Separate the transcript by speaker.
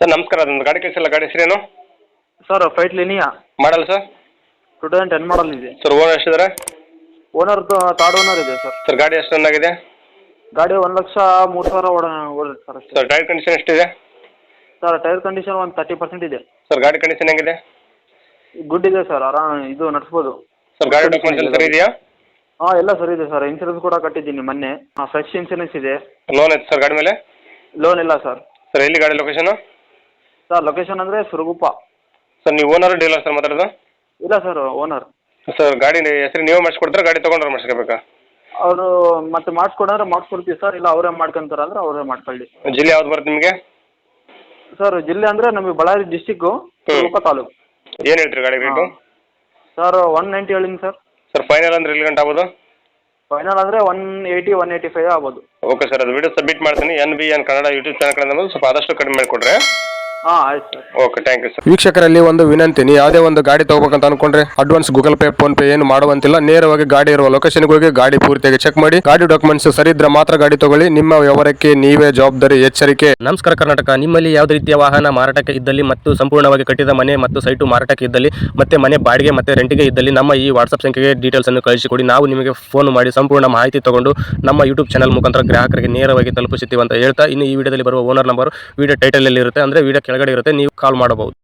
Speaker 1: Sir ನಮಸ್ಕಾರ, ಅದೊಂದು ಗಾಡಿ ಕಳಿಸಿಲ್ಲ, ಗಾಡಿ ಹೆಸರೇನು?
Speaker 2: ಸರ್ ಫೈಟ್ ಲಿನಿಯಾ
Speaker 1: ಮಾಡಲ್ಲ ಸರ್?
Speaker 2: 2010 ಮಾಡಲ್ ಇದೆ
Speaker 1: ಸರ್ ಓನರ್ ಎಷ್ಟಿದ್ದಾರೆ?
Speaker 2: ಓನರ್ ಥರ್ಡ್ ಓನರ್ ಇದೆ ಸರ್.
Speaker 1: ಸರ್ ಗಾಡಿ ಎಷ್ಟು ರನ್ ಆಗಿದೆ?
Speaker 2: ಗಾಡಿ 1,03,000 ಓಡಿದೆ ಸರ್ ಅಷ್ಟೇ.
Speaker 1: ಸರ್ ಟೈರ್ ಕಂಡೀಷನ್ ಎಷ್ಟಿದೆ?
Speaker 2: ಸರ್ ಟೈರ್ ಕಂಡೀಷನ್ ಒಂದು 30% ಇದೆ.
Speaker 1: ಸರ್ ಗಾಡಿ ಕಂಡೀಷನ್ ಹೆಂಗಿದೆ?
Speaker 2: ಗುಡ್ ಇದೆ ಸರ್, ಆರಾಮ್ ಇದು ನಡೆಸ್ಬೋದು.
Speaker 1: ಸರ್ ಗಾಡಿ ಡಾಕ್ಯುಮೆಂಟ್ಸ್ ಸರಿ ಇದೆಯಾ?
Speaker 2: ಹಾಂ ಎಲ್ಲ ಸರಿ ಇದೆ ಸರ್. ಇನ್ಸೂರೆನ್ಸ್ ಕೂಡ ಕಟ್ಟಿದ್ದೀನಿ ಮೊನ್ನೆ. ಫ್ರೆಶ್ ಇನ್ಸೂರೆನ್ಸ್ ಇದೆ.
Speaker 1: ಲೋನ್ ಐತೆ ಸರ್ ಗಾಡಿ ಮೇಲೆ?
Speaker 2: ಲೋನ್ ಇಲ್ಲ ಸರ್.
Speaker 1: ಸರ್ ಎಲ್ಲಿ ಗಾಡಿ ಲೊಕೇಶನು?
Speaker 2: ಸರ್ ಲೊಕೇಶನ್ ಅಂದರೆ ಸುರಗುಪ್ಪ.
Speaker 1: ಸರ್ ನೀವು ಓನರ್ ಡೀಲರ್ ಸರ್ ಮಾತಾಡೋದು?
Speaker 2: ಇಲ್ಲ ಸರ್ ಓನರ್.
Speaker 1: ಸರ್ ಗಾಡಿ ಹೆಸರು ನೀವೇ ಮಾಡಿಸ್ಕೊಡ್ತಾರೆ, ಗಾಡಿ ತೊಗೊಂಡ್ರೆ ಮಾಡಿಸ್ಕೋಬೇಕಾ?
Speaker 2: ಅವರು ಮತ್ತೆ ಮಾಡಿಸ್ಕೊಡಂದ್ರೆ ಮಾಡಿಸ್ಕೊಡ್ತೀವಿ ಸರ್, ಇಲ್ಲ ಅವರೇ ಮಾಡ್ಕೊಂತಾರೆ ಅಂದರೆ ಅವರೇ ಮಾಡ್ಕೊಳ್ಳಿ.
Speaker 1: ಜಿಲ್ಲೆ ಯಾವ್ದು ಬರುತ್ತೆ ನಿಮಗೆ?
Speaker 2: ಸರ್ ಜಿಲ್ಲೆ ಅಂದರೆ ನಮಗೆ ಬಳ್ಳಾರಿ ಡಿಸ್ಟಿಕ್ಕು, ಸುರಗುಪ್ಪ ತಾಲೂಕು.
Speaker 1: ಏನು ಹೇಳ್ತೀರಿ ಗಾಡಿ ರೇಟು?
Speaker 2: ಸರ್ 190 ಹೇಳಿನಿ ಸರ್.
Speaker 1: ಸರ್ ಫೈನಲ್ ಅಂದ್ರೆ ಎಲ್ಲಿ ಗಂಟೆ ಆಗ್ಬೋದು?
Speaker 2: ಫೈನಲ್ ಅಂದರೆ 180, 185 ಆಗ್ಬೋದು.
Speaker 1: ಓಕೆ ಸರ್, ಅದು ವಿಡಿಯೋ ಸಬ್ಮಿಟ್ ಮಾಡ್ತೀನಿ. NBN ಕನ್ನಡ ಯೂಟ್ಯೂಬ್ ಚಾನಲ್ ಕಡೆಯಿಂದ ಸ್ವಲ್ಪ ಆದಷ್ಟು ಕಡಿಮೆ ಮಾಡಿಕೊಡ್ರೆ.
Speaker 2: ಹಾಂ ಆಯ್ತು sir.
Speaker 1: Okay, thank you sir.
Speaker 3: ವೀಕ್ಷಕರಲ್ಲಿ ಒಂದು ವಿನಂತಿ, ನೀವು ಯಾವುದೇ ಒಂದು ಗಾಡಿ ತಗೋಬೇಕಂತ ಅನ್ಕೊಂಡ್ರೆ advance Google Pay, PhonePe ಏನು ಮಾಡುವಂತಿಲ್ಲ. ನೇರವಾಗಿ ಗಾಡಿ ಇರುವ ಲೊಕೇಶನ್ಗೆ ಹೋಗಿ ಗಾಡಿ ಪೂರ್ತಿಯಾಗಿ ಚೆಕ್ ಮಾಡಿ, ಗಾಡಿ ಡಾಕ್ಯುಮೆಂಟ್ಸ್ ಸರಿ ಇದ್ರೆ ಮಾತ್ರ ಗಾಡಿ ತಗೊಳ್ಳಿ. ನಿಮ್ಮ ವ್ಯವಹಾರಕ್ಕೆ ನೀವೇ ಜವಾಬ್ದಾರಿ. ಎಚ್ಚರಿಕೆ.
Speaker 4: ನಮಸ್ಕಾರ ಕರ್ನಾಟಕ. ನಿಮ್ಮಲ್ಲಿ ಯಾವುದೇ ರೀತಿಯ ವಾಹನ ಮಾರಾಟಕ್ಕೆ ಇದ್ದಲ್ಲಿ ಮತ್ತು ಸಂಪೂರ್ಣವಾಗಿ ಕಟ್ಟಿದ ಮನೆ ಮತ್ತು ಸೈಟು ಮಾರಾಟಕ್ಕೆ ಇದ್ದಲ್ಲಿ ಮತ್ತೆ ಮನೆ ಬಾಡಿಗೆ ಮತ್ತೆ ರೆಂಟಿಗೆ ಇದ್ದಲ್ಲಿ ನಮ್ಮ ಈ ವಾಟ್ಸ್ಆಪ್ ಸಂಖ್ಯೆಗೆ ಡೀಟೇಲ್ಸ್ ಅನ್ನು ಕಳಿಸಿಕೊಡಿ. ನಾವು ನಿಮಗೆ ಫೋನ್ ಮಾಡಿ ಸಂಪೂರ್ಣ ಮಾಹಿತಿ ತಗೊಂಡು ನಮ್ಮ ಯೂಟ್ಯೂಬ್ ಚಾನಲ್ ಮುಖಾಂತರ ಗ್ರಾಹಕರಿಗೆ ನೇರವಾಗಿ ತಲುಪಿಸುತ್ತೀವಿ ಅಂತ ಹೇಳ್ತಾ, ಇನ್ನು ಈ ವಿಡಿಯೋದಲ್ಲಿ ಬರುವ ಓನರ್ ನಂಬರ್ ವಿಡಿಯೋ ಟೈಟಲ್ ಅಲ್ಲಿ ಇರುತ್ತೆ, ಅಂದ್ರೆ ವಿಡಿಯೋ ಕೆಳಗಡೆ ಇರುತ್ತೆ, ನೀವು ಕಾಲ್ ಮಾಡಬಹುದು.